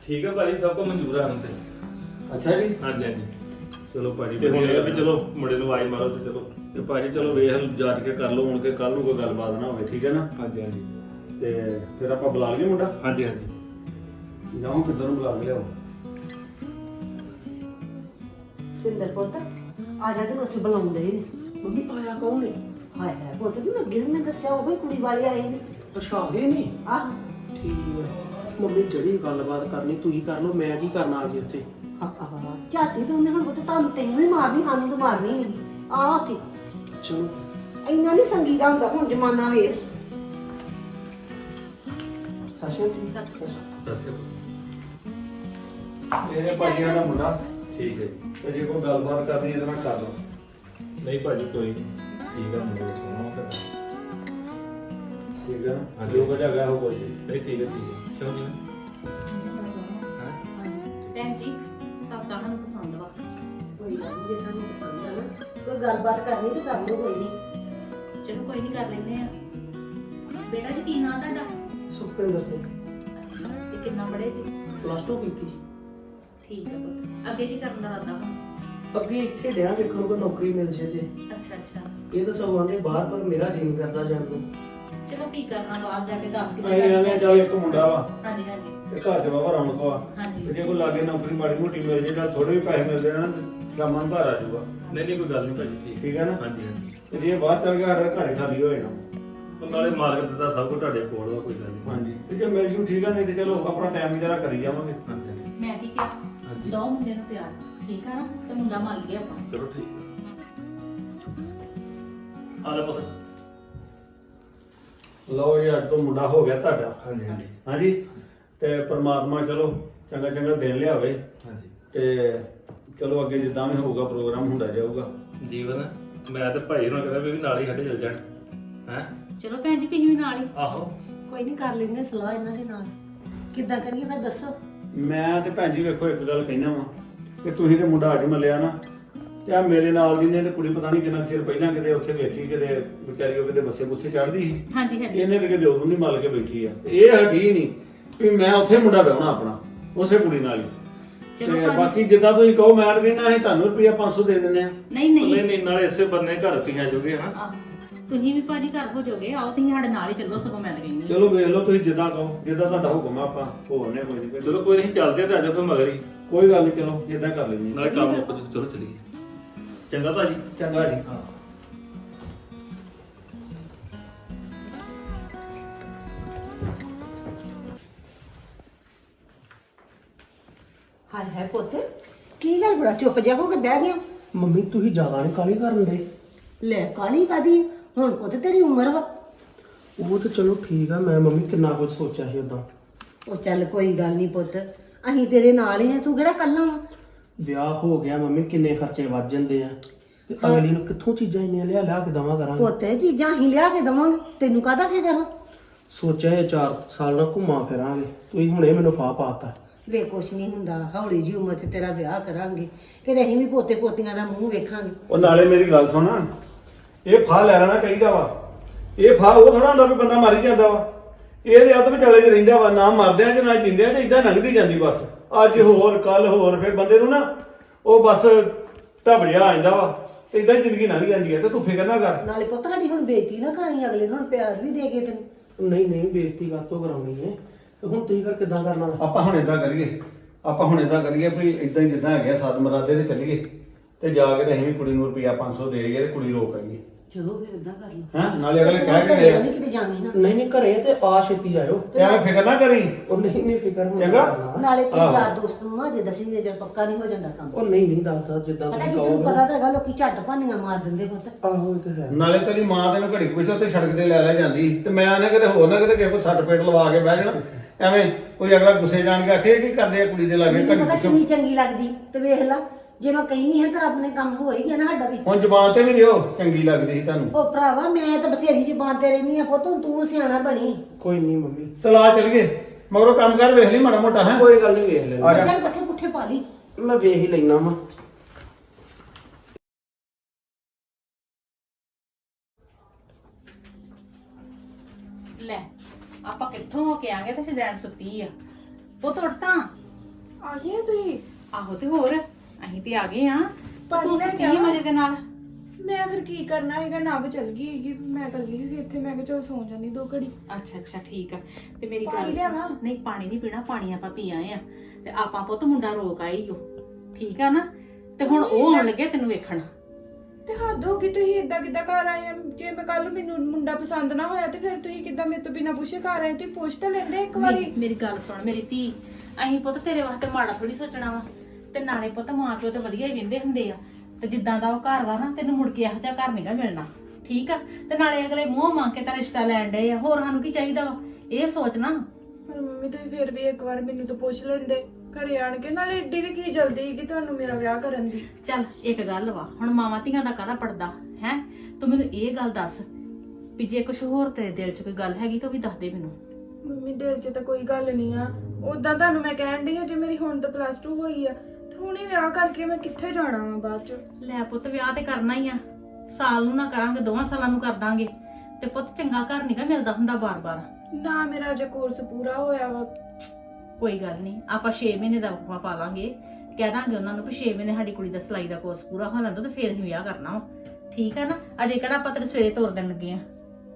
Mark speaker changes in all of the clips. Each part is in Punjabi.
Speaker 1: ਠੀਕ ਹੈ ਭਾਜੀ, ਸਭ ਕੁਝ ਮਨਜ਼ੂਰ ਆ ਹੁਣ ਤੇ।
Speaker 2: ਅੱਛਾ ਜੀ।
Speaker 1: ਹਾਂਜੀ ਹਾਂਜੀ।
Speaker 2: ਚਲੋ ਭਾਜੀ
Speaker 1: ਤੇ ਹੁਣ ਇਹ ਆ ਵੀ ਚਲੋ ਮੁੰਡੇ ਨੂੰ ਆਵਾਜ਼ ਮਾਰੋ ਤੇ ਚਲੋ।
Speaker 2: ਤੇ ਭਾਜੀ ਚਲੋ ਵੇਖ ਜਾਂਚ ਕੇ ਕਰ ਲਓ ਹੁਣ ਕਿ ਕੱਲ ਨੂੰ ਕੋਈ ਗੱਲਬਾਤ ਨਾ ਹੋਵੇ, ਠੀਕ ਹੈ ਨਾ।
Speaker 1: ਹਾਂਜੀ ਹਾਂਜੀ
Speaker 2: ਤੇ ਫਿਰ ਆਪਾਂ ਬੁਲਾ ਲਈਏ ਮੁੰਡਾ।
Speaker 1: ਹਾਂਜੀ ਹਾਂਜੀ।
Speaker 2: ਜਾਓ ਕਿੱਧਰ ਨੂੰ ਬੁਲਾ ਕੇ ਲਿਆਓ।
Speaker 3: ਸਿੰਦਰ ਪੁੱਤ ਆ ਜਾ ਤੈਨੂੰ ਉੱਥੇ ਬੁਲਾਉਂਦੇ ਨੇ।
Speaker 4: ਮੰਮੀ ਆਇਆ ਕੌਣ ਹੈ?
Speaker 3: ਹਾਏ ਹਾਏ ਪੁੱਤ ਤੂੰ ਅੱਗੇ ਵੀ ਮੈਂ ਦੱਸਿਆ ਉਹ ਹੀ ਕੁੜੀ ਵਾਲੇ ਆਏ ਨੇ।
Speaker 4: ਅੱਛਾ ਇਹ ਨਹੀਂ
Speaker 3: ਆਹ
Speaker 4: ਠੀਕ ਹੈ। ਮੰਮੀ ਜਿਹੜੀ ਗੱਲਬਾਤ ਕਰਨੀ ਤੁਸੀਂ ਕਰ ਲਓ, ਮੈਂ ਕੀ ਕਰਨਾ ਆ ਜੀ ਉੱਥੇ।
Speaker 3: ਝਾਤੀ ਤੇ ਉਹਨੇ ਹੁਣ ਪੁੱਤ ਤੁਹਾਨੂੰ ਤੈਨੂੰ ਹੀ ਮਾਰਨੀ, ਸਾਨੂੰ ਤਾਂ ਮਾਰਨੀ ਨਹੀਂ। ਆ ਉੱਥੇ
Speaker 4: ਚਲੋ
Speaker 3: ਇੰਨਾ ਨਹੀਂ ਸੰਗੀ ਦਾ ਹੁੰਦਾ ਹੁਣ ਜ਼ਮਾਨਾ ਵੇਖ।
Speaker 4: ਸਾਸ਼ਾ
Speaker 1: ਦੱਸਿਓ।
Speaker 2: ਮੇਰੇ ਭਾਜੀਆਂ ਦਾ ਮੁੰਡਾ
Speaker 1: ਠੀਕ ਹੈ ਜੀ।
Speaker 2: ਤੇ ਜੇ ਕੋਈ ਗੱਲਬਾਤ ਕਰਨੀ ਇਹਦੇ ਨਾਲ ਕਰ ਲਓ।
Speaker 1: ਨਹੀਂ ਭਾਜੀ ਕੋਈ ਨਹੀਂ, ਠੀਕ ਹੈ ਮੁੰਡੇ ਸੁਣੋ ਫਿਰ।
Speaker 2: ਠੀਕ ਹੈ ਨਾ।
Speaker 1: ਹਾਂਜੀ।
Speaker 2: ਜੋ ਕੁਝ ਹੈਗਾ ਉਹ ਬੋਲੀ।
Speaker 1: ਨਹੀਂ ਠੀਕ ਹੈ ਕਿਉਂ ਨਹੀਂ?
Speaker 5: ਭੈਣ ਜੀ ਸਭ ਤਾਂ ਸਾਨੂੰ ਪਸੰਦ ਵਾ।
Speaker 3: ਕੋਈ ਗੱਲ ਨਹੀਂ, ਜੇ ਤੁਹਾਨੂੰ ਪਸੰਦ ਆ ਨਾ ਕੋਈ ਗੱਲਬਾਤ ਕਰਨੀ ਤੇ ਕਰ ਲਓ, ਕੋਈ ਨਹੀਂ।
Speaker 5: ਚਲੋ ਕੋਈ ਨਹੀਂ ਕਰ ਲੈਂਦੇ ਆ। ਬੇਟਾ ਜੀ ਕੀ ਨਾਂ ਤੁਹਾਡਾ?
Speaker 4: ਸੁਖਪਿੰਦਰ ਸਿੰਘ
Speaker 5: ਅੱਛਾ ਤੇ ਕਿੰਨਾ ਪੜ੍ਹੇ ਜੀ?
Speaker 4: +2 ਕੀਤੀ।
Speaker 5: ਠੀਕ ਹੈ ਪੁੱਤ। ਅੱਗੇ ਕੀ ਕਰਨ ਦਾ ਇਰਾਦਾ ਹੁਣ?
Speaker 4: ਅੱਗੇ ਇੱਥੇ ਡਿਆ ਵੇਖਣ ਕੋਈ ਨੌਕਰੀ ਮਿਲ ਜੇ ਤੇ।
Speaker 5: ਅੱਛਾ ਅੱਛਾ।
Speaker 4: ਇਹ ਤਾਂ ਸਭ ਆਂਦੇ ਬਾਹਰ, ਪਰ ਮੇਰਾ ਜੀ ਨਹੀਂ ਕਰਦਾ ਜਾਣ ਨੂੰ।
Speaker 5: ਚਲੋ ਕੀ ਕਰਨਾ ਬਾਹਰ ਜਾ ਕੇ 10
Speaker 2: ਅਸੀਂ ਐਵੇਂ ਚੱਲ ਇੱਕ ਮੁੰਡਾ ਵਾ
Speaker 5: ਹਾਂਜੀ ਹਾਂਜੀ
Speaker 2: ਤੇ ਘਰ ਚ ਬਾਬਾ ਰੌਣਕ ਵਾ।
Speaker 5: ਹਾਂਜੀ।
Speaker 2: ਤੇ ਜੇ ਕੋਈ ਲਾਗੇ ਨੌਕਰੀ ਮਾੜੀ ਮੋਟੀ ਮਿਲ ਜੇ ਜਾਂ ਥੋੜੇ ਵੀ ਪੈਸੇ ਮਿਲਦੇ ਨਾ ਤੇ ਸ਼ਾਮਾਂ ਨੂੰ ਘਰ ਆ ਜਾਊਗਾ।
Speaker 1: ਨਹੀਂ ਨਹੀਂ ਕੋਈ ਗੱਲ ਨਹੀਂ ਭਾਜੀ, ਠੀਕ
Speaker 2: ਠੀਕ ਹੈ ਨਾ।
Speaker 1: ਹਾਂਜੀ ਹਾਂਜੀ।
Speaker 2: ਤੇ ਜੇ ਬਾਹਰ ਚੱਲ ਗਿਆ ਸਾਡਾ ਘਰ ਖਾਲੀ ਹੋ ਜਾਣਾ।
Speaker 1: ਉਹ ਨਾਲੇ ਮਾਰਕੀਟ ਦਾ ਸਭ ਕੁਝ ਤੁਹਾਡੇ ਕੋਲ ਵਾ, ਕੋਈ ਗੱਲ ਨਹੀਂ।
Speaker 2: ਹਾਂਜੀ ਤੇ ਜੇ ਮਿਲ ਜੂ ਠੀਕ ਆ, ਨਹੀਂ ਤੇ ਚਲੋ ਆਪਣਾ ਟਾਈਮ ਜਰਾ ਕਰੀ ਜਾਵਾਂਗੇ।
Speaker 1: ਹਾਂਜੀ ਹਾਂਜੀ।
Speaker 5: ਮੈਂ ਕੀ ਕਿਹਾ
Speaker 1: ਹਾਂਜੀ।
Speaker 5: ਦੋ ਮੁੰਡੇ ਨੂੰ ਪਿਆਰ ਠੀਕ ਆ ਨਾ ਤੇ ਮੁੰਡਾ ਮੰਨ ਗਿਆ ਆਪਾਂ।
Speaker 1: ਚਲੋ ਠੀਕ ਆ ਲੈ ਪੁੱਤ।
Speaker 2: ਲਓ ਜੀ ਅੱਜ ਤੋਂ ਮੁੰਡਾ ਹੋ ਗਿਆ ਤੁਹਾਡਾ।
Speaker 1: ਹਾਂਜੀ ਹਾਂਜੀ
Speaker 2: ਹਾਂਜੀ ਤੇ ਪ੍ਰਮਾਤਮਾ ਚਲੋ ਚੰਗਾ ਚੰਗਾ ਦਿਨ ਲਿਆਵੇ
Speaker 1: ਹਾਂਜੀ।
Speaker 2: ਤੇ ਚਲੋ ਅੱਗੇ ਜਿੱਦਾਂ ਵੀ ਹੋਊਗਾ ਪ੍ਰੋਗਰਾਮ ਹੁੰਦਾ ਜਾਊਗਾ।
Speaker 1: ਜੀਵਨ ਮੈਂ ਤੇ ਭਾਈ ਨੂੰ ਕਹਿੰਦਾ ਵੀ ਨਾਲ ਹੀ ਸਾਡੇ ਚੱਲ ਜਾਣ ਹੈ।
Speaker 5: ਚਲੋ ਭੈਣ ਜੀ ਤੁਸੀਂ ਵੀ ਨਾਲ ਹੀ।
Speaker 1: ਆਹੋ
Speaker 3: ਕੋਈ ਨਹੀਂ ਕਰ ਲੈਂਦੇ ਸਲਾਹ ਇਹਨਾਂ ਦੇ ਨਾਲ। ਕਿੱਦਾਂ ਕਰੀਏ ਫਿਰ ਦੱਸੋ।
Speaker 2: ਮੈਂ ਤੇ ਭੈਣ ਜੀ ਵੇਖੋ ਇੱਕ ਗੱਲ ਕਹਿਣਾ ਵਾ ਕਿ ਤੁਸੀਂ ਤੇ ਮੁੰਡਾ ਅੱਜ ਮੱਲਿਆ ਨਾ ਤੇ ਆ ਮੇਰੇ ਨਾਲ ਦੀ ਨੇ ਤੇ ਕੁੜੀ ਪਤਾ ਨਹੀਂ ਕਿੰਨਾ ਚਿਰ ਪਹਿਲਾਂ ਕਿਤੇ ਉੱਥੇ ਵੇਖੀ, ਕਿਤੇ ਵਿਚਾਰੀ ਉਹ ਕਿਤੇ ਬੱਸੇ ਬੁੱਸੇ ਚੜਦੀ ਸੀ।
Speaker 5: ਹਾਂਜੀ ਹਾਂਜੀ।
Speaker 2: ਇਹਨੇ ਤੇ ਕਿਤੇ ਉਦੋਂ ਨਹੀਂ ਮੱਲ ਕੇ ਬੈਠੀ ਆ। ਇਹ ਹਟੀ ਨਹੀਂ ਵੀ ਮੈਂ ਉੱਥੇ ਮੁੰਡਾ ਵਿਆਹਣਾ ਆਪਣਾ ਉਸੇ ਕੁੜੀ ਨਾਲ ਹੀ।
Speaker 5: ਚਲੋ
Speaker 2: ਤੇ
Speaker 5: ਭਾਜੀ।
Speaker 2: ਬਾਕੀ ਜਿੱਦਾਂ ਤੁਸੀਂ ਕਹੋ ਮੈਂ ਤਾਂ ਕਹਿੰਦਾ ਅਸੀਂ ਤੁਹਾਨੂੰ ਰੁਪਿਆ 500 ਦੇ ਦਿੰਦੇ ਆ।
Speaker 5: ਨਹੀਂ
Speaker 1: ਨਹੀਂ
Speaker 5: ਨਹੀਂ
Speaker 1: ਨਹੀਂ ਨਾਲੇ ਇਸੇ ਬੰਨੇ ਘਰ ਤੁਸੀਂ ਆ ਜਾਓਗੇ ਹਾਂ।
Speaker 5: ਆਹ, ਤੁਸੀਂ ਵੀ ਭਾਜੀ ਘਰ ਹੋ ਜਾਓਗੇ। ਆਓ ਤੁਸੀਂ ਸਾਡੇ ਨਾਲ ਹੀ ਚੱਲੋ, ਸਗੋਂ ਮੈਂ ਤਾਂ ਕਹਿੰਦੀ ਹਾਂ।
Speaker 2: ਚਲੋ ਵੇਖ ਲਓ ਤੁਸੀਂ ਜਿੱਦਾਂ ਕਹੋ, ਜਿੱਦਾਂ ਤੁਹਾਡਾ ਹੁਕਮ ਆ ਆਪਾਂ ਹੋਰਨੇ ਕੋਈ ਨਹੀਂ।
Speaker 1: ਚਲੋ ਕੋਈ ਨਹੀਂ, ਚੱਲਦੇ ਆ ਤੇ ਆ ਜਾਓ ਕੋਈ ਮਗਰ ਹੀ।
Speaker 2: ਕੋਈ ਗੱਲ ਨਹੀਂ, ਚਲੋ ਜਿੱਦਾਂ ਕਰ ਲੈਂਦੇ ਹਾਂ।
Speaker 1: ਨਾਲੇ ਕੰਮ ਮੁੱਕ ਜੂ। ਚਲੋ ਚਲੀਏ। ਚੰਗਾ ਭਾਜੀ।
Speaker 2: ਚੰਗਾ ਜੀ।
Speaker 1: ਹਾਂ।
Speaker 3: ਹਾਏ ਹਾਏ ਪੁੱਤ ਕੀ ਗੱਲ ਬੜਾ ਚੁੱਪ ਜਿਹਾ ਹੋ ਕੇ ਬਹਿ ਗਿਆ।
Speaker 4: ਮੰਮੀ ਤੁਸੀਂ ਜ਼ਿਆਦਾ ਨਹੀਂ ਕਾਹਲੀ ਕਰਨ ਦੇ।
Speaker 3: ਲੈ ਕਾਲੀ ਕਾਦੀ ਹੁਣ ਪੁੱਤ ਤੇਰੀ ਉਮਰ ਵਾ।
Speaker 4: ਉਹ ਤਾਂ ਚਲੋ ਠੀਕ ਆ, ਮੈਂ ਮੰਮੀ ਕਿੰਨਾ ਕੁਝ ਸੋਚਿਆ ਸੀ ਉਦਾਂ।
Speaker 3: ਉਹ ਚੱਲ ਕੋਈ ਗੱਲ ਨਹੀਂ ਪੁੱਤ, ਅਸੀਂ ਤੇਰੇ ਨਾਲ ਹੀ ਆ, ਤੂੰ ਕਿਹੜਾ ਕੱਲਾ ਵਾ।
Speaker 4: ਵਿਆਹ ਹੋ ਗਿਆ ਮੰਮੀ, ਕਿੰਨੇ ਖਰਚੇ ਵੱਜ ਜਾਂਦੇ ਆ ਤੇ ਅਗਲੀ ਨੂੰ ਕਿੱਥੋਂ ਚੀਜ਼ਾਂ ਇੰਨੀਆਂ ਲਿਆ ਲਿਆ ਕੇ ਦਵਾਂ ਕਰਾਂਗੇ।
Speaker 3: ਪੁੱਤ ਇਹ ਚੀਜ਼ਾਂ ਅਸੀਂ ਲਿਆ ਕੇ ਦਵਾਂਗੇ, ਤੈਨੂੰ ਕਾਹਦਾ ਫਿਕਰ ਵਾ।
Speaker 4: ਸੋਚਿਆ ਇਹ 4 ਸਾਲ ਨਾਲ ਘੁੰਮਾ ਫਿਰਾਂਗੇ, ਤੁਸੀਂ ਹੁਣੇ ਮੈਨੂੰ ਫਾਹ ਪਾਤਾ।
Speaker 3: ਵੇ ਕੁਛ ਨਹੀਂ ਹੁੰਦਾ, ਹੌਲੀ ਜਿਹੀ ਉਮਰ 'ਚ ਤੇਰਾ ਵਿਆਹ ਕਰਾਂਗੇ, ਕਿਤੇ ਅਸੀਂ ਵੀ ਪੋਤੇ ਪੋਤੀਆਂ ਦਾ ਮੂੰਹ ਵੇਖਾਂਗੇ।
Speaker 2: ਉਹ ਨਾਲੇ ਮੇਰੀ ਗੱਲ ਸੁਣ, ਇਹ ਫਾਹ ਲੈ ਲੈਣਾ ਚਾਹੀਦਾ ਵਾ। ਇਹ ਫਾਹ ਉਹ ਥੋੜਾ ਹੁੰਦਾ ਵੀ ਬੰਦਾ ਮਰ ਹੀ ਜਾਂਦਾ ਵਾ। ਇਹਦੇ ਅੱਧ ਵਿਚਾਲੇ 'ਚ ਰਹਿੰਦਾ ਵਾ, ਨਾ ਮਰਦਿਆਂ 'ਚ ਨਾ ਜਿੰਦਿਆਂ 'ਚ, ਇਦਾਂ ਲੰਘਦੀ ਜਾਂਦੀ ਬਸ। ਅੱਜ ਹੋਰ ਕੱਲ ਹੋਰ, ਫਿਰ ਬੰਦੇ ਨੂੰ ਨਾ ਉਹ ਬਸ ਢੱਬ ਜਿਹਾ ਆ ਜਾਂਦਾ ਵਾ। ਇਦਾਂ ਜ਼ਿੰਦਗੀ ਲੰਘ ਜਾਂਦੀ ਹੈ। ਤੇ ਤੂੰ ਫਿਕਰ ਨਾ ਕਰ।
Speaker 3: ਨਾਲੇ ਪੁੱਤ ਸਾਡੀ ਹੁਣ ਬੇਇੱਜ਼ਤੀ ਨਾ ਕਰਾਈ, ਅਗਲੇ ਨੂੰ ਹੁਣ ਪਿਆਰ ਵੀ ਦੇ ਕੇ ਤੈਨੂੰ।
Speaker 4: ਨਹੀਂ ਨਹੀਂ ਬੇਇੱਜ਼ਤੀ ਕਾਹਤੋਂ ਕਰਾਉਣੀ ਹੈ, ਤੇ ਹੁਣ ਤੁਸੀਂ ਕਿੱਦਾਂ ਕਰਨਾ?
Speaker 2: ਆਪਾਂ ਹੁਣ ਏਦਾਂ ਕਰੀਏ ਵੀ ਇਦਾਂ ਹੀ ਜਿੱਦਾਂ ਹੈਗਾ ਸਾਧ ਮਰਾਦੇ ਤੇ ਚੱਲੀਏ ਤੇ ਜਾ ਕੇ ਤੇ ਅਸੀਂ ਵੀ ਕੁੜੀ ਨੂੰ ਰੁਪਿਆ 500 ਦੇ ਗਏ ਤੇ ਕੁੜੀ ਰੋਕ ਆਈਏ।
Speaker 3: ਚਲੋ ਫਿਰ ਏਦਾਂ ਕਰ ਲਓ।
Speaker 2: ਹੈਂ ਨਾਲੇ ਅਗਲੇ ਕਹਿ ਕੇ
Speaker 3: ਘਰੇ
Speaker 2: ਗਏ
Speaker 3: ਵੀ ਕਿਤੇ ਜਾਵੀਂ ਨਾ।
Speaker 4: ਨਹੀਂ ਨਹੀਂ ਘਰੇ ਤੇ ਆ ਛੇਤੀ ਜਾਇਓ।
Speaker 2: ਤੇ ਐਵੇਂ ਫਿਕਰ ਨਾ ਕਰੀ।
Speaker 4: ਉਹ ਨਹੀਂ ਨਹੀਂ ਫਿਕਰ ਹੁਣ
Speaker 2: ਚੰਗਾ।
Speaker 4: ਕਰਨਾ।
Speaker 3: ਨਾਲੇ ਤੇ
Speaker 2: ਆਹੋ।
Speaker 3: ਯਾਰ ਦੋਸਤ ਨੂੰ ਨਾ ਜੇ ਦਸੀ ਜੇ ਪੱਕਾ ਨਹੀਂ ਹੋ ਜਾਂਦਾ ਕੰਮ।
Speaker 4: ਉਹ ਨਹੀਂ ਨਹੀਂ ਦੱਸਦਾ ਜਿੱਦਾਂ
Speaker 3: ਪਤਾ
Speaker 4: ਤੁਸੀਂ
Speaker 3: ਕੀ ਤੈਨੂੰ
Speaker 4: ਕਹੋਗੇ।
Speaker 3: ਪਤਾ ਤਾਂ ਹੈਗਾ, ਲੋਕੀ ਝੱਟ ਭਾਨੀਆਂ ਮਾਰ ਦਿੰਦੇ ਪੁੱਤ।
Speaker 4: ਆਹੋ ਇਹ ਤਾਂ ਹੈ।
Speaker 2: ਨਾਲੇ ਤੇਰੀ ਮਾਂ ਤੈਨੂੰ ਘੜੀ ਕੁਛ ਉੱਥੇ ਸੜਕ ਤੇ ਲੈ ਜਾਂਦੀ ਤੇ ਮੈਂ ਨਾ ਕਿਤੇ ਹੋਰ ਨਾ ਕਿਤੇ ਕਿਸੇ ਕੋ ਸੱਟ ਪੇਟ ਲਵਾ ਕੇ ਬਹਿ ਜਾਣਾ। ਐਵੇਂ ਕੋਈ ਅਗਲਾ ਗੁੱਸੇ ਜਾਣ ਕੇ ਆਖੇ ਕੀ ਕਰਦੇ ਆ ਕੁੜੀ ਦੇ ਲਾਗੇ
Speaker 3: ਮੈਨੂੰ
Speaker 2: ਘੜੀ
Speaker 3: ਪਤਾ
Speaker 2: ਪਿੱਛੋਂ।
Speaker 3: ਕਿੰਨੀ ਚੰਗੀ ਲੱਗਦੀ, ਤੇ ਵੇਖ ਲੈ ਜੇ ਮੈਂ ਕਹਿੰਦੀ ਹਾਂ ਤਾਂ ਰੱਬ ਨੇ ਕੰਮ ਹੋ ਹੀ ਗਿਆ ਨਾ ਸਾਡਾ ਵੀ।
Speaker 2: ਹੁਣ ਜ਼ਬਾਨ ਤੇ ਵੀ ਰਿਓ ਚੰਗੀ ਲੱਗਦੀ ਸੀ ਤੁਹਾਨੂੰ।
Speaker 3: ਉਹ ਭਰਾਵਾ ਮੈਂ ਤਾਂ ਬਥੇਰੀ ਜ਼ਬਾਨ ਤੇ ਰਹਿਨੀ ਆ ਪੁੱਤ, ਹੁਣ ਤੂੰ ਸਿਆਣਾ ਬਣੀ।
Speaker 4: ਕੋਈ ਨਹੀਂ ਮੰਮੀ,
Speaker 2: ਚਲਾ ਚੱਲ ਗਏ ਮਗਰੋਂ ਕੰਮ ਕਰ ਵੇਖ ਲਈ ਮਾੜਾ ਮੋਟਾ ਹੈ।
Speaker 4: ਕੋਈ ਗੱਲ ਨਹੀਂ ਵੇਖ ਲੈਣਾ।
Speaker 2: ਆ ਜਾ।
Speaker 3: ਚੱਲ ਪੱਠੇ ਪੁੱਠੇ ਪਾ ਲਈ।
Speaker 4: ਮੈਂ ਵੇਖ ਹੀ ਲੈਣਾ ਵਾ।
Speaker 5: ਲੈ ਆਪਾਂ ਕਿੱਥੋਂ ਹੋ ਕੇ ਆਂਗੇ ਤੇ ਸ਼ਦੈਨ ਸੁੱਤੀ ਆ। ਉਹ ਉੱਠ ਤਾਂ
Speaker 6: ਆ ਗਏ ਤੁਸੀਂ?
Speaker 5: ਆਹੋ ਤੇ ਹੋਰ ਅਸੀਂ ਤੇ ਆ ਗਏ ਆ
Speaker 6: ਪਾਣੀ
Speaker 5: ਤੂੰ
Speaker 6: ਲੈ
Speaker 5: ਸੁੱਤੀ
Speaker 6: ਕੇ
Speaker 5: ਸੀ
Speaker 6: ਆਵਾਂ?
Speaker 5: ਮਜੇ ਦੇ ਨਾਲ।
Speaker 6: ਮੈਂ ਫਿਰ ਕੀ ਕਰਨਾ ਹੈਗਾ, ਨਵ ਚਲ ਗਈ ਹੈਗੀ, ਮੈਂ ਇਕੱਲੀ ਸੀ ਇੱਥੇ, ਮੈਂ ਕਿਹਾ ਚਲ ਸੌਂ ਜਾਂਦੀ 2 ਘੜੀ।
Speaker 5: ਅੱਛਾ ਅੱਛਾ ਠੀਕ ਆ। ਤੇ ਮੇਰੀ
Speaker 6: ਪਾਣੀ
Speaker 5: ਗੱਲ
Speaker 6: ਲਿਆਵਾਂ?
Speaker 5: ਸੁਣ, ਨਹੀਂ ਪਾਣੀ ਨਹੀਂ ਪੀਣਾ, ਪਾਣੀ ਆਪਾਂ ਪੀ ਆਏ ਆ ਤੇ ਆਪਾਂ ਪੁੱਤ ਮੁੰਡਾ ਰੋਕ ਆਈ ਓ, ਠੀਕ ਆ ਨਾ। ਤੇ ਹੁਣ ਉਹ ਆਉਣ ਲੱਗੇ ਤੈਨੂੰ ਵੇਖਣ।
Speaker 6: ਤੇ ਹੱਦ ਹੋ ਗਈ, ਤੁਸੀਂ ਏਦਾਂ ਕਿੱਦਾਂ ਘਰ ਆਏ ਆ? ਜੇ ਮੈਂ ਕੱਲ ਮੈਨੂੰ ਮੁੰਡਾ ਪਸੰਦ ਨਾ ਹੋਇਆ ਤੇ ਫਿਰ ਤੁਸੀਂ ਕਿੱਦਾਂ ਮੇਰੇ ਤੋਂ ਬਿਨਾਂ ਪੁੱਛੇ ਘਰ ਆਏ? ਤੁਸੀਂ ਪੁੱਛ ਤਾਂ ਲੈਂਦੇ ਇੱਕ ਵਾਰੀ।
Speaker 5: ਮੇਰੀ ਗੱਲ ਸੁਣ ਮੇਰੀ ਧੀ, ਅਸੀਂ ਪੁੱਤ ਤੇਰੇ ਵਾਸਤੇ ਮਾੜਾ ਥੋੜੀ ਸੋਚਣਾ ਵਾ। ਤੇ ਨਾਲੇ ਪੁੱਤ ਮਾਂ ਪਿਓ ਤੇ ਵਧੀਆ ਹੀ ਵਿੰਦੇ ਹੁੰਦੇ ਆ, ਤੇ ਜਿੱਦਾਂ ਦਾ ਉਹ ਘਰ ਵਾ ਨਾ ਤੈਨੂੰ ਮੁੜ ਕੇ ਇਹੋ ਜਿਹਾ ਘਰ ਨਹੀਂਗਾ ਮਿਲਣਾ, ਠੀਕ ਆ। ਤੇ ਨਾਲੇ ਅਗਲੇ ਮੂੰਹ ਮੰਗ ਕੇ ਤਾਂ ਰਿਸ਼ਤਾ ਲੈਣ ਡਏ ਆ, ਹੋਰ ਸਾਨੂੰ ਕੀ ਚਾਹੀਦਾ ਵਾ? ਇਹ ਸੋਚਣਾ।
Speaker 6: ਪਰ ਮੰਮੀ ਤੁਸੀਂ ਫਿਰ ਵੀ ਇੱਕ ਵਾਰ ਮੈਨੂੰ ਤਾਂ ਪੁੱਛ ਲੈਂਦੇ ਘਰੇ ਆਣ ਕੇ, ਨਾਲੇ ਏਡੀ ਵੀ ਕੀ ਜਲਦੀ ਕਿ ਤੁਹਾਨੂੰ ਮੇਰਾ ਵਿਆਹ ਕਰਨ ਦੀ।
Speaker 5: ਚੱਲ ਇੱਕ ਗੱਲ ਵਾ, ਹੁਣ ਮਾਵਾਂ ਧੀਆਂ ਦਾ ਕਾਹਦਾ ਪੜਦਾ ਹੈ। ਤੂੰ ਮੈਨੂੰ ਇਹ ਗੱਲ ਦੱਸ ਵੀ ਜੇ ਕੁਝ ਹੋਰ ਤੇਰੇ ਦਿਲ 'ਚ ਕੋਈ ਗੱਲ ਹੈਗੀ ਤਾਂ ਵੀ ਦੱਸ ਦੇ ਮੈਨੂੰ।
Speaker 6: ਮੰਮੀ ਦਿਲ 'ਚ ਤਾਂ ਕੋਈ ਗੱਲ ਨਹੀਂ ਆ, ਉਦਾਂ ਤੁਹਾਨੂੰ ਮੈਂ ਕਹਿਣ ਡਈ ਆ ਜੇ ਮੇਰੀ ਹੁਣ ਤਾਂ +2 ਹੋਈ ਆ ਤੇ ਹੁਣੇ ਵਿਆਹ ਕਰਕੇ ਮੈਂ ਕਿੱਥੇ ਜਾਣਾ ਵਾ ਬਾਅਦ 'ਚ।
Speaker 5: ਲੈ ਪੁੱਤ ਵਿਆਹ ਤੇ ਕਰਨਾ ਹੀ ਆ, ਸਾਲ ਨੂੰ ਨਾ ਕਰਾਂਗੇ 2 ਸਾਲਾਂ ਨੂੰ ਕਰ ਦਾਂਗੇ। ਤੇ ਪੁੱਤ ਚੰਗਾ ਘਰ ਨਹੀਂਗਾ ਮਿਲਦਾ ਹੁੰਦਾ ਬਾਰ-ਬਾਰ।
Speaker 6: ਨਾ ਮੇਰਾ ਅਜੇ ਕੋਰਸ ਪੂਰਾ ਹੋਇਆ ਵਾ।
Speaker 5: ਕੋਈ ਗੱਲ ਨਹੀਂ, ਆਪਾਂ 6 ਮਹੀਨੇ ਦਾ ਵਕਫਾ ਪਾ ਲਾਂਗੇ, ਕਹਿ ਦਾਂਗੇ ਉਹਨਾਂ ਨੂੰ ਵੀ 6 ਮਹੀਨੇ ਸਾਡੀ ਕੁੜੀ ਦਾ ਸਿਲਾਈ ਦਾ ਕੋਰਸ ਪੂਰਾ ਹੋ ਲੈਂਦਾ ਤੇ ਫੇਰ ਹੀ ਵਿਆਹ ਕਰਨਾ ਵਾ, ਠੀਕ ਆ ਨਾ। ਅਜੇ ਕਿਹੜਾ ਆਪਾਂ ਤੇਰੇ ਸਵੇਰੇ ਤੋਰ ਦੇਣ ਲੱਗੇ ਆ।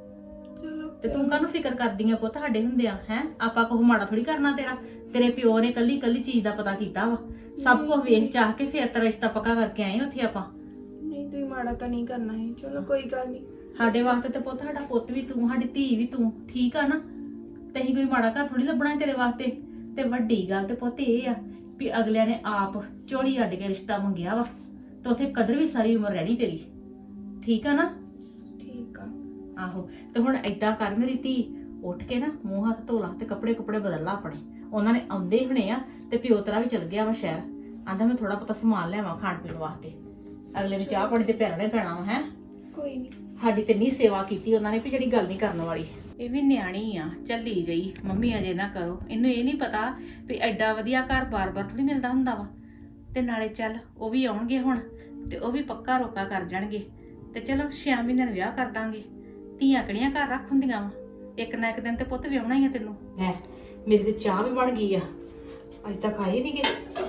Speaker 6: ਚਲੋ
Speaker 5: ਤੇ ਤੂੰ ਕਾਹਨੂੰ ਫਿਕਰ ਕਰਦੀ ਆ ਪੁੱਤ ਸਾਡੇ ਹੁੰਦੇ ਆ ਹੈ? ਆਪਾਂ ਕੋਹ ਮਾੜਾ ਥੋੜੀ ਕਰਨਾ ਤੇਰਾ। ਤੇਰੇ ਪਿਓ ਨੇ ਕੱਲੀ ਕੱਲੀ ਚੀਜ਼ ਦਾ ਪਤਾ ਕੀਤਾ ਵਾ, ਸਭ ਕੁਝ ਵੇਖ ਚਾਹ ਕੇ ਫੇਰ ਤੇਰਾ ਰਿਸ਼ਤਾ ਪੱਕਾ ਕਰਕੇ ਆਏ ਉੱਥੇ ਆਪਾਂ।
Speaker 6: ਨਹੀਂ ਤੁਸੀਂ ਮਾੜਾ ਤਾਂ ਨਹੀਂ ਕਰਨਾ ਹੈ, ਚਲੋ ਕੋਈ ਗੱਲ ਨਹੀਂ।
Speaker 5: ਸਾਡੇ ਵਾਸਤੇ ਤੇ ਪੁੱਤ ਸਾਡਾ ਪੁੱਤ ਵੀ ਤੂੰ, ਸਾਡੀ ਧੀ ਵੀ ਤੂੰ, ਠੀਕ ਆ ਨਾ। ਤੇ ਅਸੀਂ ਕੋਈ ਮਾੜਾ ਘਰ ਥੋੜੀ ਲੱਭਣਾ ਤੇਰੇ ਵਾਸਤੇ। ਤੇ ਵੱਡੀ ਗੱਲ ਤੇ ਪੁੱਤ ਇਹ ਆ ਵੀ ਅਗਲਿਆਂ ਨੇ ਆਪ ਝੋਲੀ ਅੱਡ ਕੇ ਰਿਸ਼ਤਾ ਮੰਗਿਆ ਵਾ, ਤੇ ਉੱਥੇ ਕਦਰ ਵੀ ਸਾਰੀ ਉਮਰ ਰਹਿਣੀ ਤੇਰੀ, ਠੀਕ ਆ ਨਾ।
Speaker 6: ਠੀਕ ਆ।
Speaker 5: ਆਹੋ ਤੇ ਹੁਣ ਏਦਾਂ ਕਰ ਮੇਰੀ ਧੀ, ਉੱਠ ਕੇ ਨਾ ਮੂੰਹ ਹੱਥ ਧੋ ਲਾ ਤੇ ਕੱਪੜੇ ਬਦਲ ਲਾ ਆਪਣੇ। ਉਹਨਾਂ ਨੇ ਆਉਂਦੇ ਹੀ ਹੋਣੇ ਆ ਤੇ ਪਿਓ ਤੇਰਾ ਵੀ ਚਲ ਗਿਆ ਵਾ ਸ਼ਹਿਰ, ਆਂਦਾ ਮੈਂ ਥੋੜਾ ਬਹੁਤਾ ਸਮਾਨ ਲਿਆਵਾਂ ਖਾਣ ਪੀਣ ਵਾਸਤੇ। ਅਗਲੇ ਨੂੰ ਚਾਹ ਪਾਣੀ ਤੇ ਪਿਆਲਣਾ ਹੀ ਪੈਣਾ ਵਾ ਹੈ।
Speaker 6: ਕੋਈ ਨਹੀਂ।
Speaker 5: ਸਾਡੀ ਤੇ ਨਹੀਂ ਸੇਵਾ ਕੀਤੀ ਉਹਨਾਂ ਨੇ ਵੀ ਜਿਹੜੀ ਗੱਲ ਨਹੀਂ ਕਰਨ ਵਾਲੀ। ਇਹ ਵੀ ਨਿਆਣੀ ਆ, ਚੱਲੀ ਜਾਈ ਮੰਮੀ ਅਜੇ ਨਾ ਕਰੋ। ਇਹਨੂੰ ਇਹ ਨਹੀਂ ਪਤਾ ਵੀ ਐਡਾ ਵਧੀਆ ਘਰ ਬਾਰ-ਬਾਰ ਥੋੜੀ ਮਿਲਦਾ ਹੁੰਦਾ ਵਾ। ਤੇ ਨਾਲੇ ਚੱਲ ਉਹ ਵੀ ਆਉਣਗੇ ਹੁਣ ਤੇ ਉਹ ਵੀ ਪੱਕਾ ਰੋਕਾ ਕਰ ਜਾਣਗੇ ਤੇ ਚਲੋ 6 ਮਹੀਨਿਆਂ ਨੂੰ ਵਿਆਹ ਕਰ ਦਾਂਗੇ। ਧੀਆਂ ਕਿਹੜੀਆਂ ਘਰ ਰੱਖ ਹੁੰਦੀਆਂ ਵਾ, ਇੱਕ ਨਾ ਇੱਕ ਦਿਨ ਤੇ ਪੁੱਤ ਵਿਆਹਣਾ ਹੀ ਆ ਤੈਨੂੰ। ਹੈ ਮੇਰੀ ਤੇ ਚਾਹ ਵੀ ਬਣ ਗਈ ਆ, ਅਜੇ ਤੱਕ ਆਏ ਨਹੀਂ ਗਏ।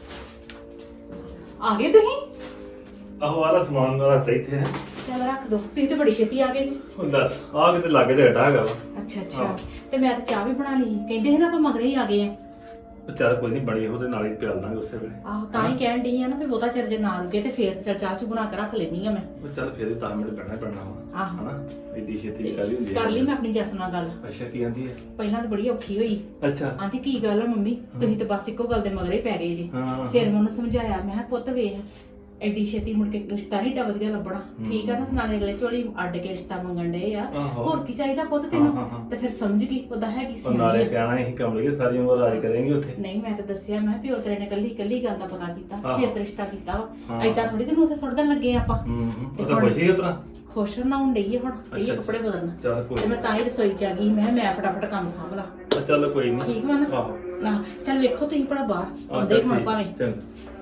Speaker 5: ਆ ਗਏ ਤੁਸੀਂ?
Speaker 1: ਆਹੋ ਆਲਾ ਸਮਾਨ ਦਾ ਰੱਖਤਾ ਇੱਥੇ ਹੈ।
Speaker 5: ਚੱਲ ਰੱਖ ਦੋ, ਤੁਸੀਂ ਤੇ ਬੜੀ ਛੇਤੀ ਆ ਗਏ ਜੀ।
Speaker 1: ਹੁਣ ਦੱਸ ਆ ਕਿਤੇ ਲਾਗੇ ਤੇ ਹਟਾ ਹੈਗਾ ਵਾ।
Speaker 5: ਅੱਛਾ ਤੇ ਮੈਂ ਤਾਂ ਚਾਹ ਵੀ ਬਣਾ ਲਈ, ਕਹਿੰਦੇ ਸੀ ਨਾ ਆਪਾਂ ਮਗਰੇ ਹੀ ਆ ਗਏ ਆ।
Speaker 1: ਉਹ ਚੱਲ ਕੋਈ ਨਹੀਂ, ਬਣੀ ਉਹਦੇ ਨਾਲ ਹੀ ਪਿਆਲ ਦਾਂਗੇ ਉਸੇ ਵੇਲੇ।
Speaker 5: ਆਹੋ ਤਾਂ ਹੀ ਕਹਿਣ ਡਈ ਆ ਨਾ ਵੀ ਬਹੁਤਾ ਚਿਰ ਜੇ ਨਾ ਰੁਕੇ ਤੇ ਫੇਰ ਚਾਹ ਚ ਬਣਾ ਕੇ ਰੱਖ ਲੈਣੀ ਆ ਮੈਂ।
Speaker 1: ਉਹ ਚੱਲ ਫਿਰ 10 ਮਿੰਟ ਬੈਠਣਾ ਪੈਣਾ ਵਾ
Speaker 5: ਆਹੋ
Speaker 1: ਹਨਾ, ਐਡੀ ਛੇਤੀ ਵੀ ਕਾਹਦੀ ਹੁੰਦੀ ਹੈ।
Speaker 5: ਕਰ ਲਈ ਮੈਂ ਆਪਣੀ ਜੱਸ ਨਾਲ ਗੱਲ।
Speaker 1: ਅੱਛਾ ਕੀ ਆਂਦੀ ਹੈ?
Speaker 5: ਪਹਿਲਾਂ ਤਾਂ ਬੜੀ ਔਖੀ ਹੋਈ,
Speaker 1: ਅੱਛਾ
Speaker 5: ਆਂਦੀ ਕੀ ਗੱਲ ਆ ਮੰਮੀ ਤੁਸੀਂ ਤਾਂ ਬਸ ਇੱਕੋ ਗੱਲ ਦੇ ਮਗਰੇ ਪੈ ਗਏ ਜੀ।
Speaker 1: ਹਾਂ
Speaker 5: ਫਿਰ ਮੈਂ ਉਹਨੂੰ ਸਮਝਾਇਆ, ਮੈਂ ਕਿਹਾ ਪੁੱਤ ਵੇਖ ਐਡੀ ਛੇਤੀ ਮੁੜ ਕੇ ਰਿਸ਼ਤਾ ਨਹੀਂ ਏਡਾ ਵਧੀਆ ਲੱਭਣਾ, ਠੀਕ ਆ ਨਾ। ਨਾਲੇ ਅਗਲੇ ਝੋਲੀ ਅੱਡ ਕੇ ਰਿਸ਼ਤਾ ਮੰਗਣ ਡਏ ਆ,
Speaker 1: ਆਹੋ।
Speaker 5: ਹੋਰ ਕੀ ਚਾਹੀਦਾ ਪੁੱਤ
Speaker 1: ਹਾਂ,
Speaker 5: ਤੈਨੂੰ।
Speaker 1: ਹਾਂ।
Speaker 5: ਤੇ ਫਿਰ ਸਮਝ ਗਈ ਉਹਦਾ ਹੈ ਕੀ
Speaker 1: ਉਹ ਨਾਲੇ
Speaker 5: ਸੀ।
Speaker 1: ਕਹਿਣਾ ਅਸੀਂ ਕੰਮ ਲਈਏ ਸਾਰੀ ਉਮਰ ਰਾਜ ਕਰਾਂਗੇ ਉੱਥੇ।
Speaker 5: ਨਹੀਂ ਮੈਂ ਤਾਂ ਦੱਸਿਆ, ਮੈਂ ਪਿਓ ਤੇਰੇ ਨੇ ਕੱਲੀ ਗੱਲ ਦਾ ਪਤਾ ਕੀਤਾ,
Speaker 1: ਆਹੋ।
Speaker 5: ਫਿਰ ਰਿਸ਼ਤਾ ਕੀਤਾ ਵਾ।
Speaker 1: ਹਾਂ।
Speaker 5: ਏਦਾਂ ਥੋੜੀ ਤੈਨੂੰ ਉੱਥੇ ਸੁੱਟ ਦੇਣ ਲੱਗੇ ਆਪਾਂ।
Speaker 1: ਉਹ ਤਾਂ ਖੁਸ਼ੀ ਉਤਰਾ।
Speaker 5: ਖੁਸ਼ ਨਾ ਹੋਣ ਡਈ ਆ ਹੁਣ, ਇਹ
Speaker 1: ਅੱਛਾ,
Speaker 5: ਕੱਪੜੇ ਬਦਲਣਾ।
Speaker 1: ਚੱਲ ਕੋਈ
Speaker 5: ਤੇ ਮੈਂ ਤਾਂ ਹੀ ਰਸੋਈ ਚ ਆ ਗਈ, ਮੈਂ ਫਟਾਫਟ ਕੰਮ ਸਾਂਭ ਲਾ।
Speaker 1: ਚੱਲ ਕੋਈ ਨਹੀਂ।
Speaker 5: ਠੀਕ ਵਾ ਨਾ?
Speaker 1: ਆਹੋ
Speaker 5: ਨਾ ਚੱਲ ਵੇਖੋ ਤੁਸੀਂ ਭਲਾ ਬਾਹਰ ਆਉਂਦੇ ਹੀ ਹੁਣ ਭਾਵੇਂ।
Speaker 1: ਚੰਗਾ।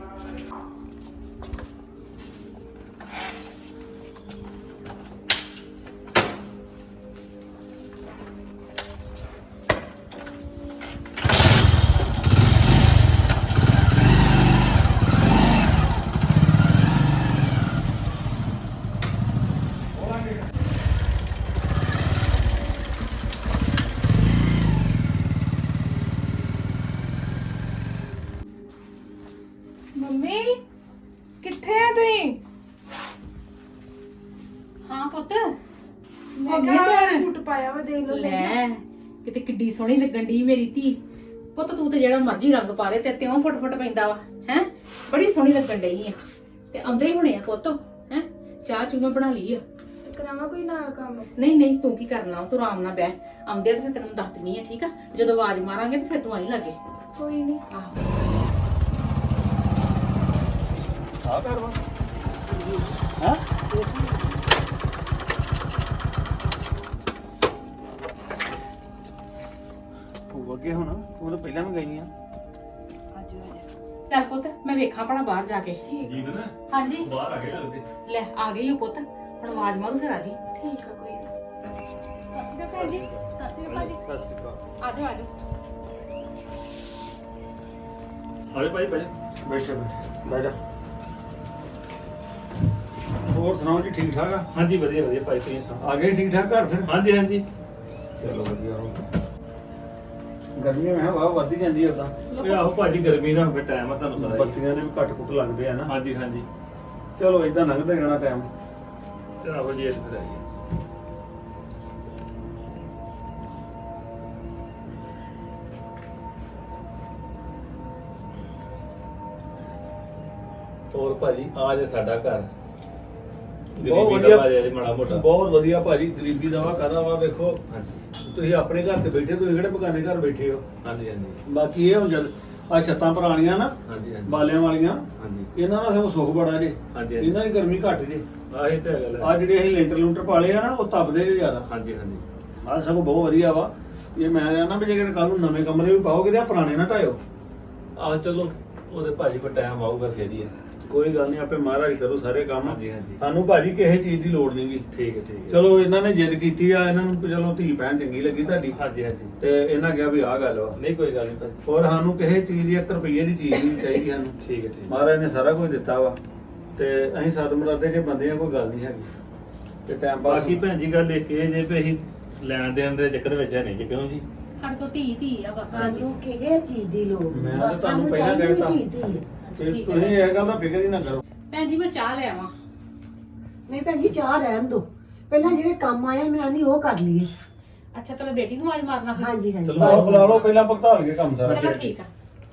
Speaker 6: ਮੰਮੀ ਕਿੱਥੇ ਆ ਤੁਸੀਂ?
Speaker 5: ਹਾਂ ਪੁੱਤ
Speaker 6: ਮੈਂ
Speaker 5: ਹੋ ਗਈ
Speaker 6: ਕਿਹਾ
Speaker 5: ਤਿਆਰ?
Speaker 6: ਸੂਟ ਪਾਇਆ ਵਾ, ਦੇਖ ਲਓ ਸਹੀ।
Speaker 5: ਲੈ ਕਿਤੇ ਕਿੱਡੀ ਸੋਹਣੀ ਲੱਗਣ ਦੀ ਮੇਰੀ ਧੀ। ਪੁੱਤ ਤੂੰ ਤੇ ਜਿਹੜਾ ਮਰਜ਼ੀ ਰੰਗ ਪਾ ਲੈ ਤੇ ਤਿਉਂ ਫੁੱਟ ਪੈਂਦਾ ਵਾ ਹੈ, ਬੜੀ ਸੋਹਣੀ ਲੱਗਣ ਡਈ ਆ। ਤੇ ਆਉਂਦੇ ਹੀ ਹੋਣੇ ਆ ਪੁੱਤ ਹੈ। ਚਾਹ ਚੂ ਮੈਂ ਬਣਾ ਲਈ ਆ।
Speaker 6: ਤੇ ਕਰਾਵਾਂ ਕੋਈ ਨਾਲ ਕੰਮ?
Speaker 5: ਨਹੀਂ ਤੂੰ ਕੀ ਕਰਨਾ, ਤੂੰ ਆਰਾਮ ਨਾਲ ਬਹਿ। ਆਉਂਦੇ ਤੇ ਫਿਰ ਤੈਨੂੰ ਦੱਸ ਦਿੰਨੀ ਆ, ਠੀਕ ਆ। ਜਦੋਂ ਆਵਾਜ਼ ਮਾਰਾਂਗੇ ਤੇ ਫਿਰ ਤੂੰ ਆਈ ਲੱਗੇ।
Speaker 6: ਕੋਈ ਨਹੀਂ।
Speaker 5: ਆਹੋ
Speaker 2: ਆ ਕਰ ਵਾ ਹਾਂ ਉਹ ਅੱਗੇ ਹੁਣ ਤੂੰ ਤਾਂ ਪਹਿਲਾਂ ਵੀ ਗਈ ਆ।
Speaker 5: ਚੱਲ ਪੁੱਤ ਮੈਂ ਵੇਖਾਂ ਭਲਾ ਬਾਹਰ ਜਾ ਕੇ।
Speaker 1: ਜੀਵ ਨਾ
Speaker 5: ਹਾਂਜੀ
Speaker 1: ਬਾਹਰ ਆ ਗਏ ਲੱਗਦੇ।
Speaker 5: ਲੈ ਆ ਗਈ ਉਹ ਪੁੱਤ, ਹੁਣ ਆਵਾਜ਼ ਮਾਰੂ ਫਿਰ ਆ ਜੀ।
Speaker 6: ਠੀਕ ਆ ਕੋਈ ਨਹੀਂ।
Speaker 5: ਸਤਿ ਸ਼੍ਰੀ ਅਕਾਲ ਭੈਣ ਜੀ। ਸਤਿ ਸ਼੍ਰੀ ਅਕਾਲ ਜੀ।
Speaker 2: ਸਤਿ ਸ਼੍ਰੀ ਅਕਾਲ।
Speaker 5: ਆ ਜਾਓ ਆ ਜਾਓ।
Speaker 1: ਆਲੇ ਭਾਈ ਭਾਈ
Speaker 2: ਬੈਠੇ ਬਹਿ ਜਾ। ਹੋਰ ਸੁਣਾਓ ਜੀ, ਠੀਕ ਠਾਕ ਆ?
Speaker 1: ਹਾਂਜੀ ਵਧੀਆ ਵਧੀਆ ਭਾਈ ਤੁਸੀਂ ਸੁਣਾਓ।
Speaker 2: ਆ ਗਏ ਠੀਕ ਠਾਕ ਘਰ ਫਿਰ?
Speaker 1: ਹਾਂਜੀ ਹਾਂਜੀ
Speaker 2: ਚਲੋ ਵਧੀਆ ਹੋ। ਗਰਮੀ ਮੈਂ ਵਾਹ ਵੱਧ ਹੀ ਜਾਂਦੀ ਉਦਾਂ।
Speaker 1: ਇਹ ਆਹੋ ਭਾਜੀ ਗਰਮੀ ਦਾ ਫਿਰ ਟਾਈਮ ਆ ਤੁਹਾਨੂੰ ਪਤਾ ਹੀ
Speaker 2: ਬੱਤੀਆਂ ਦੇ ਵੀ ਘੱਟ ਕੁੱਟ ਲੱਗਦੇ ਆ ਨਾ।
Speaker 1: ਹਾਂਜੀ ਹਾਂਜੀ
Speaker 2: ਚਲੋ ਇਦਾਂ ਲੰਘਦਾ ਜਾਣਾ ਟਾਈਮ।
Speaker 1: ਤੇ ਆਹੋ ਜੀ ਇੱਥੇ ਫਿਰ ਆਈਏ। ਹੋਰ ਭਾਜੀ ਆ ਜੇ ਸਾਡਾ ਘਰ
Speaker 2: ਬਹੁਤ
Speaker 1: ਗਰੀਬੀ
Speaker 2: ਵਧੀਆ।
Speaker 1: ਦਾ ਭਾਜੀ ਮਾੜਾ ਮੋਟਾ
Speaker 2: ਬਹੁਤ ਵਧੀਆ ਭਾਜੀ, ਗਰੀਬੀ ਦਾ ਵਾ ਕਾਹਦਾ ਵਾ। ਵੇਖੋ
Speaker 1: ਹਾਂਜੀ
Speaker 2: ਤੁਸੀਂ ਆਪਣੇ ਘਰ ਤੇ ਬੈਠੇ, ਤੁਸੀਂ ਕਿਹੜੇ ਬਗਾਨੇ ਘਰ ਬੈਠੇ ਹੋ।
Speaker 1: ਹਾਂਜੀ ਹਾਂਜੀ
Speaker 2: ਬਾਕੀ ਇਹ ਹੁਣ ਜਦ ਆ ਛੱਤਾਂ ਪੁਰਾਣੀਆਂ ਨਾ
Speaker 1: ਹਾਂਜੀ ਹਾਂਜੀ
Speaker 2: ਬਾਲਿਆਂ ਵਾਲੀਆਂ,
Speaker 1: ਹਾਂਜੀ
Speaker 2: ਇਹਨਾਂ ਦਾ ਸਗੋਂ ਸੁੱਖ ਬੜਾ ਜੇ।
Speaker 1: ਹਾਂਜੀ ਹਾਂਜੀ
Speaker 2: ਇਹਨਾਂ ਦੀ ਗਰਮੀ ਘੱਟ ਜੇ।
Speaker 1: ਆਹੀ ਤੇ ਗੱਲ
Speaker 2: ਆ
Speaker 1: ਹੈ।
Speaker 2: ਜਿਹੜੇ ਅਸੀਂ ਲੈਂਟਰ ਲੂੰਟਰ ਪਾਲੇ ਆ ਨਾ, ਉਹ ਤਪਦੇ ਜੇ ਜ਼ਿਆਦਾ।
Speaker 1: ਹਾਂਜੀ ਹਾਂਜੀ
Speaker 2: ਆ ਸਗੋਂ ਬਹੁਤ ਵਧੀਆ ਵਾ। ਇਹ ਮੈਂ ਕਹਿੰਦਾ ਵੀ ਜੇ ਕੱਲ ਨੂੰ ਨਵੇਂ ਕਮਰੇ ਵੀ ਪਾਓਗੇ ਤੇ ਆ ਪੁਰਾਣੇ ਨਾ ਢਾਇਓ।
Speaker 1: ਆਹ ਚਲੋ ਉਹਦੇ ਭਾਜੀ ਕੋ ਟਾਈਮ ਆਊਗਾ ਫੇਰ ਹੀ ਹੈ।
Speaker 2: ਕੋਈ ਗੱਲ ਨਹੀਂ, ਆਪੇ ਮਹਾਰਾਜ ਕਰੂ ਸਾਰੇ ਕੰਮ।
Speaker 1: ਹਾਂਜੀ ਹਾਂਜੀ
Speaker 2: ਸਾਨੂੰ ਭਾਜੀ ਕਿਸੇ ਚੀਜ਼ ਦੀ ਲੋੜ ਨਹੀਂਗੀ।
Speaker 1: ਠੀਕ ਹੈ ਠੀਕ ਹੈ।
Speaker 2: ਚਲੋ ਇਹਨਾਂ ਨੇ ਜਿੱਦ ਕੀਤੀ ਆ, ਇਹਨਾਂ ਨੂੰ ਚਲੋ ਧੀ ਭੈਣ ਚੰਗੀ ਲੱਗੀ ਤੁਹਾਡੀ,
Speaker 1: ਹਾਂਜੀ ਹਾਂਜੀ
Speaker 2: ਤੇ ਇਹਨਾਂ ਕਿਹਾ ਵੀ ਆਹ ਗੱਲ ਵਾ।
Speaker 1: ਨਹੀਂ ਕੋਈ ਗੱਲ ਨਹੀਂ ਭਾਜੀ।
Speaker 2: ਹੋਰ ਸਾਨੂੰ ਕਿਸੇ ਚੀਜ਼ ਦੀ 1 ਰੁਪਈਏ ਦੀ ਚੀਜ਼ ਨਹੀਂ ਚਾਹੀਦੀ ਸਾਨੂੰ।
Speaker 1: ਠੀਕ ਹੈ ਠੀਕ ਹੈ।
Speaker 2: ਮਹਾਰਾਜ ਨੇ ਸਾਰਾ ਕੁਝ ਦਿੱਤਾ ਵਾ, ਤੇ ਅਸੀਂ ਸਦ ਮੁਰਾਦੇ ਜੇ ਬੰਦੇ ਆ, ਕੋਈ ਗੱਲ ਨਹੀਂ ਹੈਗੀ। ਤੇ ਟਾਈਮ ਪਾਸ
Speaker 1: ਬਾਕੀ ਭੈਣ ਜੀ ਗੱਲ ਇੱਕ ਇਹ ਜੇ ਵੀ ਅਸੀਂ ਲੈਣ ਦੇਣ ਦੇ ਚੱਕਰ ਵਿੱਚ ਹੈ ਨਹੀਂ ਜੀ, ਕਿਉਂ ਜੀ?
Speaker 5: ਸਾਡੇ ਕੋਲ ਧੀ ਆ ਬਸ।
Speaker 3: ਸਾਨੂੰ ਕਿਹੜੇ ਚੀਜ਼ ਦੀ ਲੋੜ
Speaker 2: ਮੈਂ
Speaker 3: ਨਹੀਂ,
Speaker 2: ਤਾਂ
Speaker 3: ਬਸ
Speaker 2: ਤੁਹਾਨੂੰ
Speaker 3: ਸਾਨੂੰ
Speaker 2: ਪਹਿਲਾਂ
Speaker 3: ਚਾਹੀਦੀ
Speaker 2: ਕਹਿ
Speaker 3: ਧੀ
Speaker 2: ਦਿੱਤਾ।
Speaker 3: ਧੀ।
Speaker 2: ਤੇ
Speaker 5: ਠੀਕ ਹੈ
Speaker 2: ਤੁਸੀਂ ਇਹ ਗੱਲ ਦਾ ਫਿਕਰ ਹੀ ਨਾ ਕਰੋ।
Speaker 5: ਭੈਣ ਜੀ ਮੈਂ ਚਾਹ ਲੈ ਆਵਾਂ।
Speaker 3: ਨਹੀਂ ਭੈਣ ਜੀ, ਚਾਹ ਰਹਿਣ ਦੋ। ਪਹਿਲਾਂ ਜਿਹੜੇ ਕੰਮ ਆਇਆ ਮੈਂ ਨਹੀਂ ਉਹ ਕਰ ਲਈਏ।
Speaker 5: ਅੱਛਾ ਪਹਿਲਾਂ ਬੇਟੀ ਨੂੰ ਆਵਾਜ਼ ਮਾਰਨਾ ਫਿਰ।
Speaker 3: ਹਾਂਜੀ ਹਾਂਜੀ।
Speaker 2: ਚਲੋ ਆਪ ਬੁਲਾ ਲਓ, ਪਹਿਲਾਂ ਭੁਗਤਾ ਲਈਏ ਕੰਮ ਸਾਰਾ।
Speaker 5: ਚਲੋ ਠੀਕ ਆ।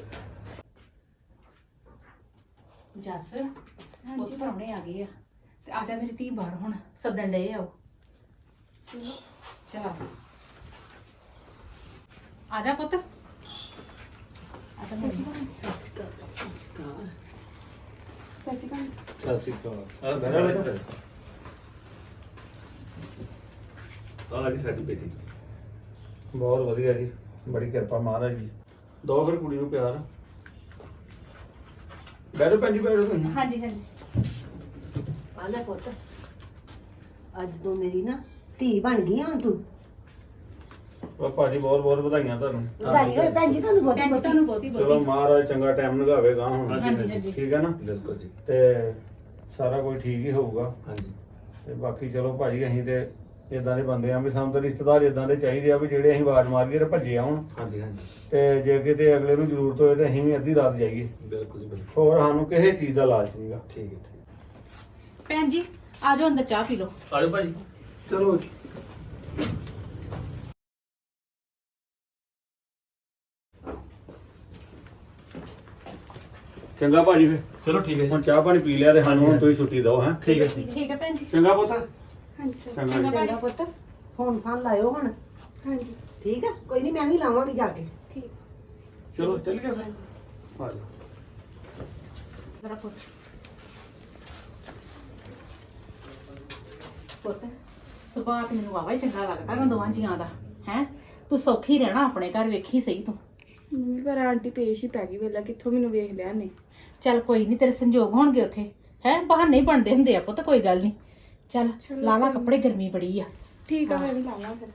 Speaker 5: ਜੱਸ ਉਹ ਪ੍ਰਾਹੁਣੇ ਆ ਗਏ ਆ ਤੇ ਆ ਜਾ ਮੇਰੀ ਧੀ ਬਾਹਰ ਹੁਣ ਸੱਦਣ ਡਏ ਆਓ। ਚਲ ਆ ਜਾ ਪੁੱਤ। ਆ ਜਾ ਮੇਰੀ
Speaker 1: ਸਤਿ ਸ਼੍ਰੀ ਅਕਾਲ। ਆ ਘਰ ਵਾਲੇ ਆ ਜੀ ਸਾਡੀ ਬੇਟੀ।
Speaker 2: ਬਹੁਤ ਵਧੀਆ ਜੀ, ਬੜੀ ਕਿਰਪਾ ਮਹਾਰਾਜ ਜੀ। ਦੋ ਫਿਰ ਕੁੜੀ ਨੂੰ ਪਿਆਰ। ਬੈਠੋ ਭੈਣ ਜੀ, ਬੈਠੋ ਤੁਸੀਂ।
Speaker 5: ਹਾਂਜੀ ਹਾਂਜੀ।
Speaker 3: ਆ ਲੈ ਪੁੱਤ, ਅੱਜ ਤੋਂ ਮੇਰੀ ਨਾ ਧੀ ਬਣ ਗਈ ਆ ਤੂੰ।
Speaker 2: ਉਹ ਭਾਜੀ ਬਹੁਤ ਬਹੁਤ ਵਧਾਈਆਂ ਤੁਹਾਨੂੰ।
Speaker 3: ਵਧਾਈ ਹੋਏ ਭੈਣ ਜੀ ਤੁਹਾਨੂੰ ਬਹੁਤੀ
Speaker 5: ਭੈਣ ਜੀ
Speaker 3: ਬਹੁਤੀ।
Speaker 5: ਤੁਹਾਨੂੰ ਬਹੁਤੀ
Speaker 2: ਚਲੋ
Speaker 5: ਬਹੁਤੀ।
Speaker 2: ਮਹਾਰਾਜ ਚੰਗਾ ਟਾਈਮ ਲਗਾਵੇਗਾ ਹੁਣ।
Speaker 5: ਹਾਂਜੀ ਹਾਂਜੀ।
Speaker 2: ਠੀਕ ਹੈ ਨਾ,
Speaker 1: ਬਿਲਕੁਲ ਜੀ।
Speaker 2: ਤੇ ਸਾਰਾ ਕੁਝ ਠੀਕ ਹੀ ਹੋਊਗਾ।
Speaker 1: ਹਾਂਜੀ
Speaker 2: ਤੇ ਬਾਕੀ ਚਲੋ ਭਾਜੀ, ਅਸੀਂ ਤੇ ਇਦਾਂ ਦੇ ਬੰਦੇ ਆ ਵੀ ਸਾਨੂੰ ਤਾਂ ਰਿਸ਼ਤੇਦਾਰ ਇਦਾਂ ਦੇ ਚਾਹੀਦੇ ਆ ਵੀ ਜਿਹੜੇ ਅਸੀਂ ਆਵਾਜ਼ ਮਾਰੀਏ ਤੇ ਭੱਜੇ ਆਉਣ।
Speaker 1: ਹਾਂਜੀ ਹਾਂਜੀ
Speaker 2: ਤੇ ਜੇ ਕਿਤੇ ਅਗਲੇ ਨੂੰ ਜ਼ਰੂਰਤ ਹੋਏ ਤੇ ਅਸੀਂ ਵੀ ਅੱਧੀ ਰਾਤ ਜਾਈਏ।
Speaker 1: ਬਿਲਕੁਲ ਜੀ ਬਿਲਕੁਲ।
Speaker 2: ਹੋਰ ਸਾਨੂੰ ਕਿਸੇ ਚੀਜ਼ ਦਾ ਲਾਲਚ ਨਹੀਂਗਾ।
Speaker 1: ਠੀਕ ਹੈ ਠੀਕ ਹੈ।
Speaker 5: ਭੈਣ ਜੀ ਆ ਜਾਓ ਅੰਦਰ ਚਾਹ ਪੀ ਲਓ।
Speaker 1: ਆ ਜਾਓ ਭਾਜੀ।
Speaker 2: ਚਲੋ ਚੰਗਾ ਭਾਜੀ, ਫਿਰ
Speaker 1: ਚਲੋ ਠੀਕ ਹੈ
Speaker 2: ਹੁਣ ਚਾਹ ਪਾਣੀ ਪੀ ਲਿਆ ਤੇ ਸਾਨੂੰ ਹੁਣ ਤੁਸੀਂ ਛੁੱਟੀ ਦਿਓ। ਹੈ
Speaker 1: ਠੀਕ ਹੈ
Speaker 5: ਠੀਕ ਹੈ ਭੈਣ ਜੀ।
Speaker 2: ਚੰਗਾ ਪੁੱਤ।
Speaker 6: ਹਾਂਜੀ ਸਰ।
Speaker 2: ਚੰਗਾ
Speaker 5: ਚੰਗਾ
Speaker 2: ਜੀ।
Speaker 5: ਭਾਜੀ।
Speaker 3: ਚੰਗਾ ਪੁੱਤ, ਫੋਨ ਫਾਨ ਲਾਇਓ ਹੁਣ।
Speaker 6: ਹਾਂਜੀ
Speaker 3: ਠੀਕ ਆ, ਕੋਈ ਨਹੀਂ, ਮੈਂ ਵੀ ਲਾਵਾਂਗੀ ਜਾ ਕੇ।
Speaker 6: ਠੀਕ।
Speaker 2: ਚਲੋ ਚੱਲ ਗਿਆ ਫਿਰ। ਆ ਜਾਓ।
Speaker 5: ਮੇਰਾ ਪੁੱਤ ਪੁੱਤ ਸੁਭਾਅ ਤੇ ਮੈਨੂੰ ਵਾਵਾ ਹੀ ਚੰਗਾ ਲੱਗਦਾ ਨਾ ਦੋਵਾਂ ਜੀਆਂ ਦਾ। ਹੈ ਤੂੰ ਸੌਖੀ ਰਹਿਣਾ ਆਪਣੇ ਘਰ, ਵੇਖੀ ਸਹੀ ਤੂੰ।
Speaker 6: ਮੰਮੀ ਪਰ ਆਂਟੀ ਪੇਸ਼ ਹੀ ਪੈ ਗਈ ਵੇਲਾ, ਕਿੱਥੋਂ ਮੈਨੂੰ ਵੇਖ ਲਿਆ ਨੇ।
Speaker 5: ਚੱਲ ਕੋਈ ਨਹੀਂ, ਤੇਰੇ ਸੰਜੋਗ ਹੋਣਗੇ ਉੱਥੇ। ਹੈ ਬਹਾਨੇ ਹੀ ਬਣਦੇ ਹੁੰਦੇ ਆ ਪੁੱਤ, ਕੋਈ ਗੱਲ ਨਹੀਂ। ਚੱਲ
Speaker 6: ਚਲੋ
Speaker 5: ਲਾ ਲਾ
Speaker 6: ਕੋਈ
Speaker 5: ਕੱਪੜੇ, ਗਰਮੀ ਬੜੀ ਆ।
Speaker 6: ਠੀਕ ਆ, ਮੈਂ ਵੀ ਲਾਵਾਂ ਫਿਰ।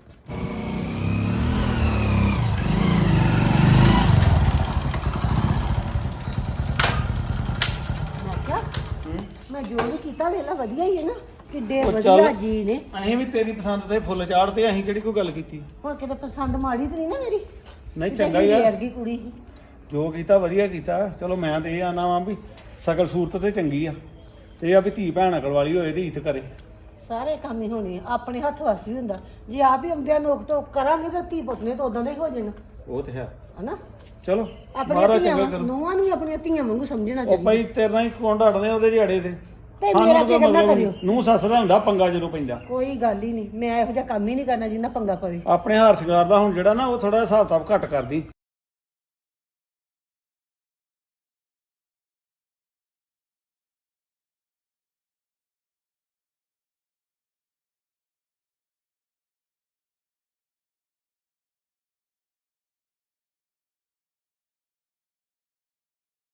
Speaker 3: ਮੈਂ ਕਿਹਾ ਮੈਂ ਜੋ ਵੀ ਕੀਤਾ ਵੇਲਾ ਵਧੀਆ ਹੀ ਹੈ ਨਾ, ਕਿੱਡੇ
Speaker 2: ਉਹ
Speaker 3: ਵਧੀਆ
Speaker 2: ਚੱਲ।
Speaker 3: ਜੀ ਨੇ।
Speaker 2: ਅਸੀਂ ਵੀ ਤੇਰੀ ਪਸੰਦ ਤੇ ਫੁੱਲ ਚਾੜਦੇ, ਅਸੀਂ ਕਿਹੜੀ ਕੋਈ ਗੱਲ ਕੀਤੀ।
Speaker 3: ਹੁਣ ਕਿਤੇ ਪਸੰਦ ਮਾੜੀ ਤੇ ਨਹੀਂ ਨਾ ਮੇਰੀ।
Speaker 2: ਨਹੀਂ ਚੰਗਾ ਹੀ ਆ,
Speaker 3: ਵਰਗੀ ਕੁੜੀ ਸੀ।
Speaker 2: ਜੋ ਕੀਤਾ ਵਧੀਆ ਕੀਤਾ। ਚਲੋ ਮੈਂ ਤੇ ਇਹ ਆਨਾ ਵਾਂ ਵੀ ਸ਼ਕਲ ਸੂਰਤ ਤੇ ਚੰਗੀ ਆ, ਤੇ ਇਹ ਆ ਵੀ ਧੀ ਭੈਣ ਅਕਲ ਵਾਲੀ ਹੋਏ ਤੇ ਇੱਜ਼ਤ ਕਰੇ।
Speaker 3: ਸਾਰੇ ਕੰਮ ਹੀ ਹੋਣੇ ਆ, ਆਪਣੇ ਹੱਥ ਵੱਸ ਵੀ ਹੁੰਦਾ। ਜੇ ਆਪ ਹੀ ਆਉਂਦਿਆਂ ਨੋਕ ਟੋਕ ਕਰਾਂਗੇ ਤਾਂ ਧੀ ਪੁੱਤ ਨੇ ਤਾਂ ਉਦਾਂ ਦੇ ਹੀ ਹੋ ਜਾਣਾ,
Speaker 2: ਉਹ ਤੇ ਹੈ।
Speaker 3: ਹਨਾ।
Speaker 2: ਚਲੋ
Speaker 3: ਆਪਣੀਆਂ
Speaker 2: ਮਹਾਰਾਜ
Speaker 3: ਧੀਆਂ
Speaker 2: ਚੰਗਾ ਕਰੂ।
Speaker 3: ਨੂੰਹਾਂ ਨੂੰ ਵੀ ਆਪਣੀਆਂ ਧੀਆਂ ਵਾਂਗੂ ਸਮਝਣਾ
Speaker 2: ਉਹ
Speaker 3: ਚਾਹੀਦਾ।
Speaker 2: ਭਾਈ ਤੇਰੇ ਨਾਲ ਹੀ ਕੌਣ ਢੜਦੇ ਉਹਦੇ ਝਾੜੇ ਤੇ।
Speaker 3: ਤੇ ਮੇਰਾ ਫਿਕਰ ਨਾ ਕਰਿਓ।
Speaker 2: ਨੂੰ ਸੱਸ ਦਾ ਹੁੰਦਾ ਪੰਗਾ ਜਦੋਂ ਪੈਂਦਾ।
Speaker 3: ਕੋਈ ਗੱਲ ਹੀ ਨਹੀਂ, ਮੈਂ ਇਹੋ ਜਿਹਾ ਕੰਮ ਹੀ ਨਹੀਂ ਕਰਨਾ ਜਿੰਨਾ ਪੰਗਾ ਪਵੇ।
Speaker 2: ਆਪਣੇ ਹਾਰ ਸ਼ਿੰਗਾਰ ਦਾ ਹੁਣ ਜਿਹੜਾ ਨਾ ਉਹ ਥੋੜਾ ਹਿਸਾਬ ਕਿਤਾਬ ਘੱਟ ਕਰਦੀ।